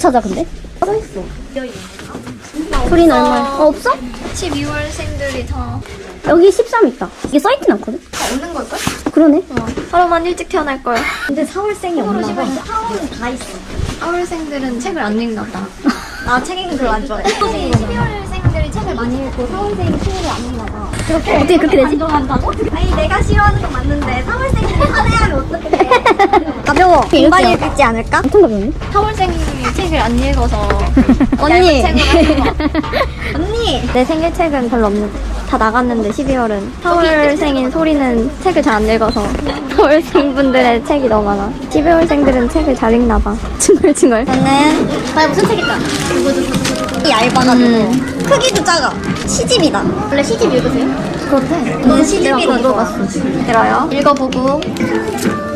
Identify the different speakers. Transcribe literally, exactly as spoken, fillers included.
Speaker 1: 찾아 근데? 써있어. 소리는 얼마야? 어, 없어?
Speaker 2: 십이월생들이 다
Speaker 1: 여기 십삼 있다. 이게 써있진 않거든?
Speaker 2: 없는 걸걸?
Speaker 1: 그러네.
Speaker 2: 어. 하루만 일찍 태어날 거야.
Speaker 1: 근데 사월생이 없나 봐.
Speaker 2: 사월은 다 있어. 사월생들은 책을 안 읽나 봐. 나 책 읽는 걸 안 좋아해. 십이월생들이 책을 많이 읽고 사월생이 책을 안 읽나 봐.
Speaker 1: 그렇게, 어떻게 그렇게 되지?
Speaker 2: 안정한다고? 아니 내가 싫어하는 건 맞는데 사월생들이 화내하면 어떡해.
Speaker 1: 가벼워.
Speaker 2: 금방 읽지 않을까?
Speaker 1: 엄청 가벼운데?
Speaker 2: 사월생이 책을 안 읽어서
Speaker 1: 언니.
Speaker 2: 얇은 책을 하는 거. 언니! 내 생일책은 별로 없는 다 나갔는데 십이월은 사월생인 소리는 책을 잘 안 읽어서 사월생분들의 책이 너무 많아. 십이월생들은 책을 잘 읽나 봐. 징글징글.
Speaker 1: 저는 과연 무슨 책 읽까?
Speaker 2: 이 얇아가지고 크기도 작아. 시집이다.
Speaker 1: 원래 시집 읽으세요?
Speaker 2: 그렇대. 넌 시집이 들어봤어. 들어요. 읽어보고